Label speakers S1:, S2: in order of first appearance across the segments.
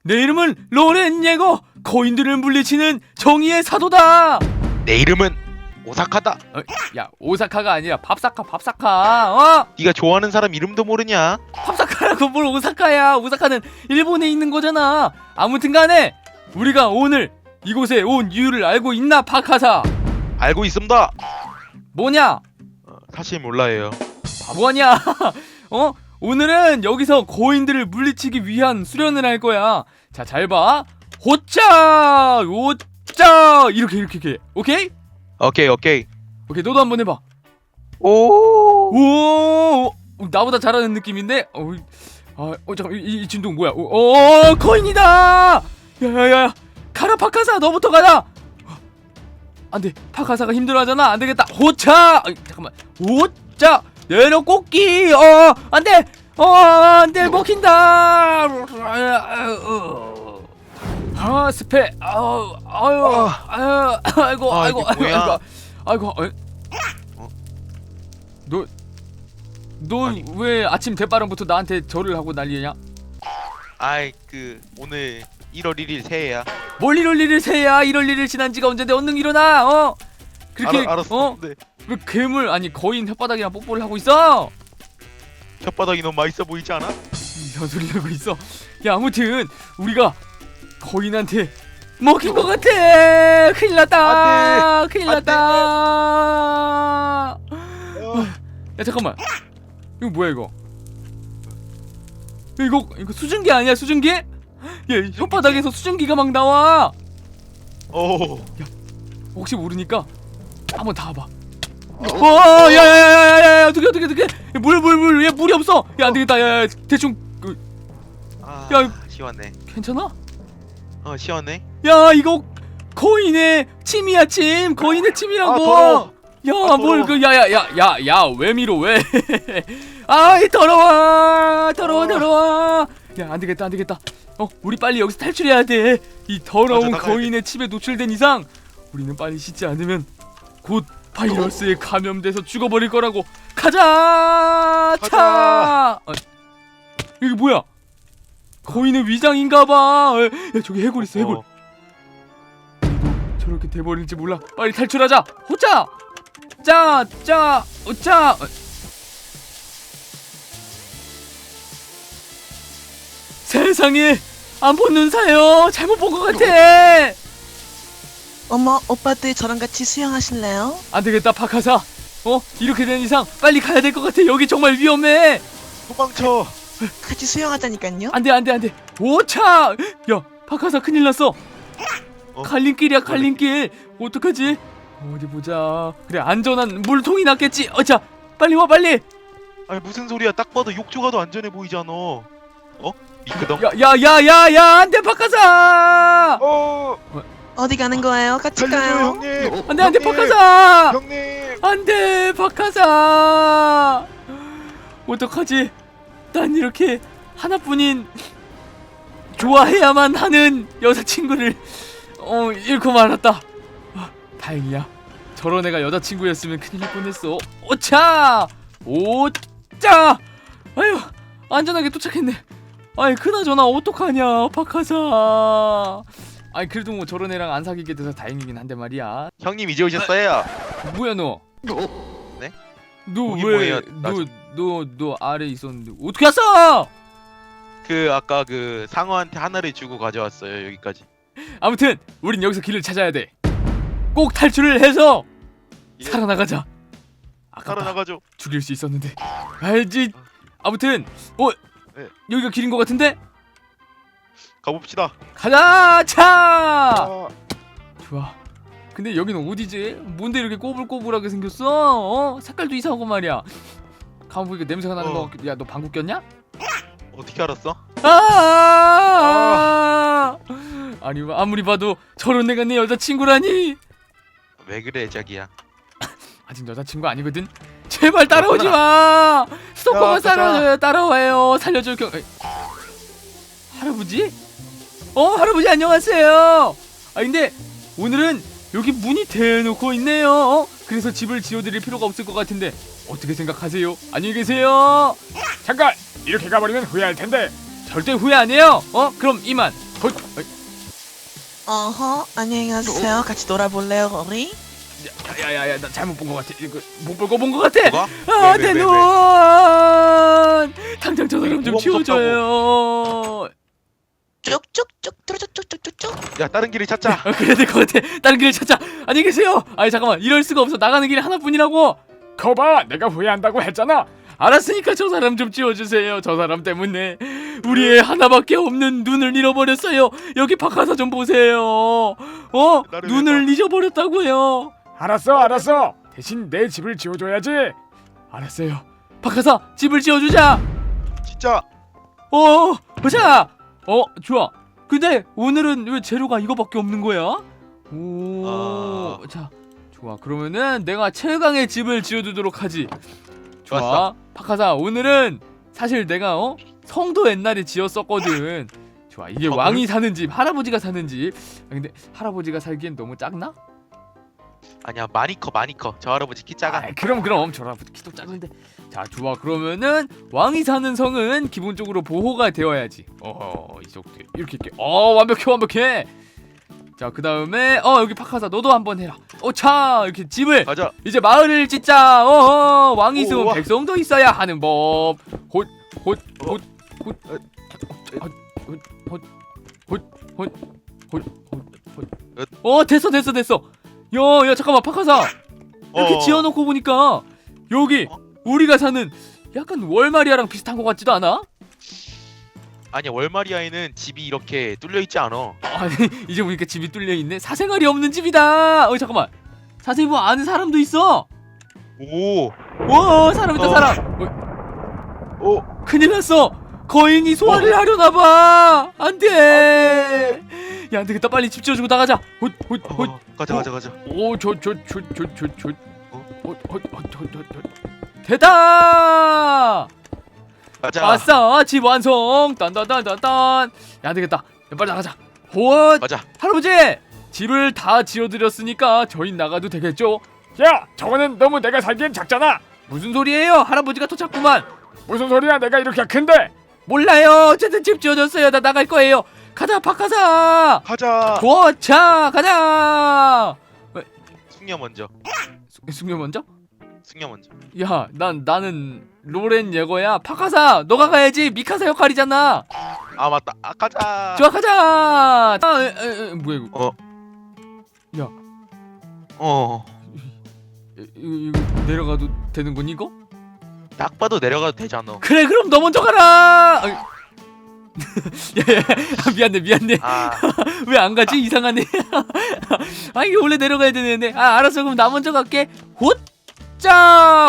S1: 내 이름은 로렌 예거, 거인들을 물리치는 정의의 사도다.
S2: 내 이름은 오사카다.
S1: 야, 오사카가 아니라 밥사카.
S2: 네가 좋아하는 사람 이름도 모르냐?
S1: 밥사카라고 뭘 오사카야. 오사카는 일본에 있는 거잖아. 아무튼 간에 우리가 오늘 이곳에 온 이유를 알고 있나, 파카사?
S2: 알고 있습니다.
S1: 뭐냐?
S2: 사실 몰라요.
S1: 바보 아니야. 오늘은 여기서 거인들을 물리치기 위한 수련을 할 거야. 자, 잘 봐. 호짜 이렇게. 오케이?
S2: 오케이.
S1: 너도 한번 해봐.
S2: 오.
S1: 나보다 잘하는 느낌인데. 잠깐, 이 진동 뭐야? 거인이다. 야야야, 가라 파카사, 너부터 가라. 안돼, 파카사가 힘들어하잖아. 안되겠다. 호차. 잠깐만. 호차 내려 꽃기. 안돼. 안돼, 먹힌다. 스페. 아이고. 너 왜 아침 대바람부터 나한테 절을 하고 난리냐?
S2: 오늘 1월 1일 새해야.
S1: 뭘 1월 1일 새야? 1월 1일 지난 지가 언젠데 얼른 일어나. 그렇게
S2: 알았어. 네.
S1: 왜 괴물, 아니 거인 혓바닥이랑 뽀뽀를 하고 있어?
S2: 혓바닥이 너무 맛있어 보이지 않아?
S1: 이런 소리 하고 있어. 야, 아무튼 우리가 거인한테 먹힌 것 같아. 큰일 났다. 야, 잠깐만. 이거 뭐야 이거? 이거 수증기 아니야, 수증기? 야, 혓바닥에서 수증기가 막 나와. 야, 혹시 모르니까 한번 닿아봐. 야야야야야, 어떻게? 물, 야, 물이 없어. 야, 안 되겠다. 야, 대충 야,
S2: 시원해.
S1: 괜찮아?
S2: 시원해.
S1: 야, 이거 거인의 침이야, 침. 거인의 침이라고.
S2: 더러워.
S1: 야, 뭘 야야야야야, 왜 밀어, 왜? 아이, 더러워. 야, 안 되겠다. 우리 빨리 여기서 탈출해야 돼. 이 더러운 거인의 침에 노출된 이상 우리는 빨리 씻지 않으면 곧 바이러스에 감염돼서 죽어버릴 거라고. 가자. 이게 뭐야? 거인의 위장인가봐. 야, 저기 해골 있어, 해골. 우리도 저렇게 돼버릴지 몰라. 빨리 탈출하자. 호짜. 오짜. 세상에, 안 본 눈사요. 잘못 본 것 같아.
S3: 어머, 오빠들 저랑 같이 수영하실래요?
S1: 안 되겠다, 파카사. 이렇게 된 이상 빨리 가야 될 것 같아. 여기 정말 위험해.
S2: 도망쳐.
S3: 같이 수영하자니깐요.
S1: 안 돼. 오차. 야, 파카사 큰일 났어. 갈림길이야, 갈림길. 어떡하지? 어디 보자. 그래, 안전한 물통이 낫겠지. 자, 빨리 와, 빨리.
S2: 아니, 무슨 소리야? 딱 봐도 욕조가 더 안전해 보이잖아. 미끄덩.
S1: 야, 안 돼, 파카사.
S3: 어디 가는 거예요? 같이 가요.
S2: 형님.
S1: 안 돼, 파카사.
S2: 형님.
S1: 안 돼, 파카사. 어떡하지? 난 이렇게 하나뿐인 좋아해야만 하는 여자친구를 잃고 말았다. 다행이야. 저런 애가 여자친구였으면 큰일 날 뻔했어. 오차. 아유, 안전하게 도착했네. 아이, 그나저나 어떡하냐, 파카사. 아이, 그래도 뭐 저런 애랑 안 사귀게 돼서 다행이긴 한데 말이야.
S2: 형님 이제 오셨어요.
S1: 뭐야 너?
S2: 네?
S1: 너
S2: 거기
S1: 왜?
S2: 뭐예요?
S1: 너 아래 있었는데 어떻게 왔어?
S2: 아까 상어한테 하나를 주고 가져왔어요, 여기까지.
S1: 아무튼 우린 여기서 길을 찾아야 돼. 꼭 탈출을 해서 살아나가자. 아까
S2: 살아나가죠.
S1: 죽일 수 있었는데. 알지? 아무튼
S2: 네.
S1: 여기가 길인 것 같은데?
S2: 가봅시다.
S1: 가자. 차. 좋아. 근데 여기는 어디지? 뭔데 이렇게 꼬불꼬불하게 생겼어? 색깔도 이상하고 말이야. 가만 보니까 냄새가 나는 거 같기도. 야, 너 방구 꼈냐?
S2: 어떻게 알았어?
S1: 아니, 아무리 봐도 저런 애가 내 여자친구라니.
S2: 왜 그래, 자기야?
S1: 아직 여자친구 아니거든. 제발 따라오지 마. 스토커가 따라와요. 살려줄 할아버지? 할아버지 안녕하세요. 근데 오늘은 여기 문이 대놓고 있네요. 그래서 집을 지어드릴 필요가 없을 것 같은데 어떻게 생각하세요? 안녕히 계세요. 잠깐, 이렇게 가버리면 후회할 텐데. 절대 후회 안 해요. 그럼 이만. 헛.
S3: 어허, 안녕히 가세요. 같이 놀아볼래요, 우리?
S1: 야야야야, 나 잘못 본 것 같아. 이거 못 볼 거 본 것 같아.
S2: 뭐가?
S1: 아,
S2: 왜,
S1: 내
S2: 왜,
S1: 눈.
S2: 왜?
S1: 당장 저 사람 좀
S2: 뭐가
S1: 치워줘요.
S3: 쭉쭉쭉 쭉쭉쭉쭉쭉.
S2: 야 다른 길을 찾자.
S1: 그래야 될 것 같아. 다른 길을 찾자. 안녕히 계세요. 아니 잠깐만, 이럴 수가 없어. 나가는 길이 하나뿐이라고. 거봐, 내가 후회한다고 했잖아. 알았으니까 저 사람 좀 치워주세요. 저 사람 때문에 우리의 하나밖에 없는 눈을 잃어버렸어요. 여기 박하사 좀 보세요.
S2: 나를
S1: 눈을 잊어버렸다고요.
S4: 알았어. 대신 내 집을 지어줘야지.
S1: 알았어요. 박하사, 집을 지어주자.
S2: 진짜.
S1: 보자. 좋아. 근데 오늘은 왜 재료가 이거밖에 없는 거야? 자, 좋아. 그러면은 내가 최강의 집을 지어두도록 하지. 좋아.
S2: 좋았어.
S1: 박하사, 오늘은 사실 내가 성도 옛날에 지었었거든. 좋아. 이게
S2: 성을?
S1: 왕이 사는 집, 할아버지가 사는 집. 근데 할아버지가 살기엔 너무 작나?
S2: 아니야 많이 커. 저 할아버지 키 작아.
S1: 그럼 저 할아버지 키도 작은데. 자, 좋아. 그러면은 왕이 사는 성은 기본적으로 보호가 되어야지. 이렇게 완벽해. 자, 그 다음에 여기 박하사, 너도 한번 해라. 자, 이렇게 집을
S2: 가자.
S1: 이제 마을을 짓자. 왕이 있으면
S2: 우와.
S1: 백성도 있어야 하는 법. 됐어. 야, 잠깐만, 박하사. 이렇게 지어놓고 보니까 여기 우리가 사는 약간 월마리아랑 비슷한 것 같지도 않아?
S2: 아니야 월마리아에는 집이 이렇게 뚫려 있지 않아.
S1: 아니, 이제 보니까 집이 뚫려 있네. 사생활이 없는 집이다. 잠깐만. 자세히 보면 아는 사람도 있어.
S2: 오.
S1: 사람 있다, 사람.
S2: 오.
S1: 큰일 났어. 거인이 소화를 하려나 봐. 안 돼. 야, 안 되겠다. 빨리 집 지어주고 나가자.
S2: 가자.
S1: 됐다.
S2: 가자.
S1: 아싸, 집 완성. 딴딴딴딴딴. 야, 안 되겠다. 야, 빨리 나가자.
S2: 가자.
S1: 할아버지, 집을 다 지어드렸으니까 저희 나가도 되겠죠?
S4: 야, 저거는 너무 내가 살기엔 작잖아.
S1: 무슨 소리예요? 할아버지가 더 작구만.
S4: 무슨 소리야? 내가 이렇게 큰데.
S1: 몰라요. 어쨌든 집 지어줬어요. 나 나갈 거예요. 가자, 박하사.
S2: 가자.
S1: 도착. 가자.
S2: 숙녀 먼저.
S1: 숙녀 먼저?
S2: 숙녀 먼저.
S1: 야, 나는 로렌 예거야. 박하사, 너가 가야지. 미카사 역할이잖아.
S2: 아 맞다. 가자.
S1: 좋아, 가자. 뭐야 이거? 야, 이거 내려가도 되는 거니 이거?
S2: 딱 봐도 내려가도 되잖아.
S1: 그래, 그럼 너 먼저 가라. 야, 미안해.
S2: 아.
S1: 왜 안 가지? 이상하네. 이게 원래 내려가야 되는데. 알았어. 그럼 나 먼저 갈게. 자,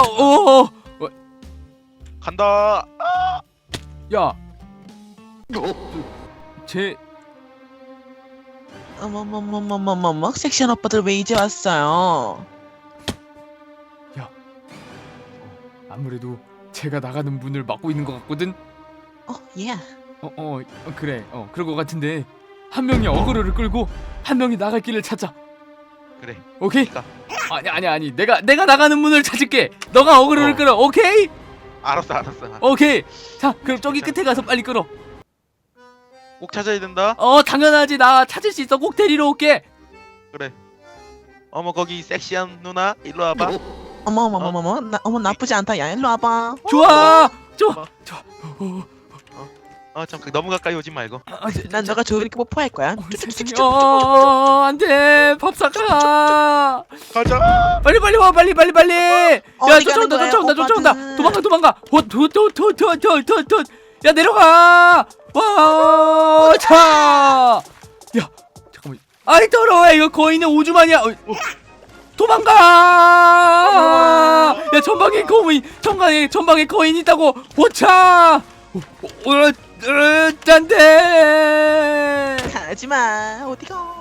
S2: 간다.
S1: 야, 쟤
S3: 어머머머머머머머, 섹시한 오빠들 왜 이제 왔어요?
S1: 아무래도 제가 나가는 문을 막고 있는 것 같거든.
S3: 예.
S1: 그래. 그럴 것 같은데 한 명이 어그로를 끌고 한 명이 나갈 길을 찾자.
S2: 그래.
S1: 오케이?
S2: 가.
S1: 아니. 내가 나가는 문을 찾을게. 너가 어그로를 끌어. 오케이?
S2: 알았어.
S1: 오케이. 자, 그럼 저기 끝에 가서 빨리 끌어.
S2: 꼭 찾아야 된다.
S1: 당연하지. 나 찾을 수 있어. 꼭 데리러 올게.
S2: 그래. 어머 거기 섹시한 누나 일로 와봐.
S3: 어머머머머머, 어머 나쁘지 않다. 야, 일로 와봐.
S1: 좋아.
S2: 참 너무 가까이 오지 말고.
S3: 난 너가 좋으니까 뽀뽀할 거야.
S1: 안돼. 밥 사가.
S2: 가자.
S1: 빨리 와. 빨리. 야,
S3: 어디 가는 거야,
S1: 쫓아온다.
S3: 오빠들?
S1: 도망가. 야, 내려가. 자. 야, 잠깐만. 아이 더러워. 이거 거인의 오줌 아니야. 도망가. 야, 전방에 거인 있다고. 차. 안돼.
S3: 가지마. 어디가?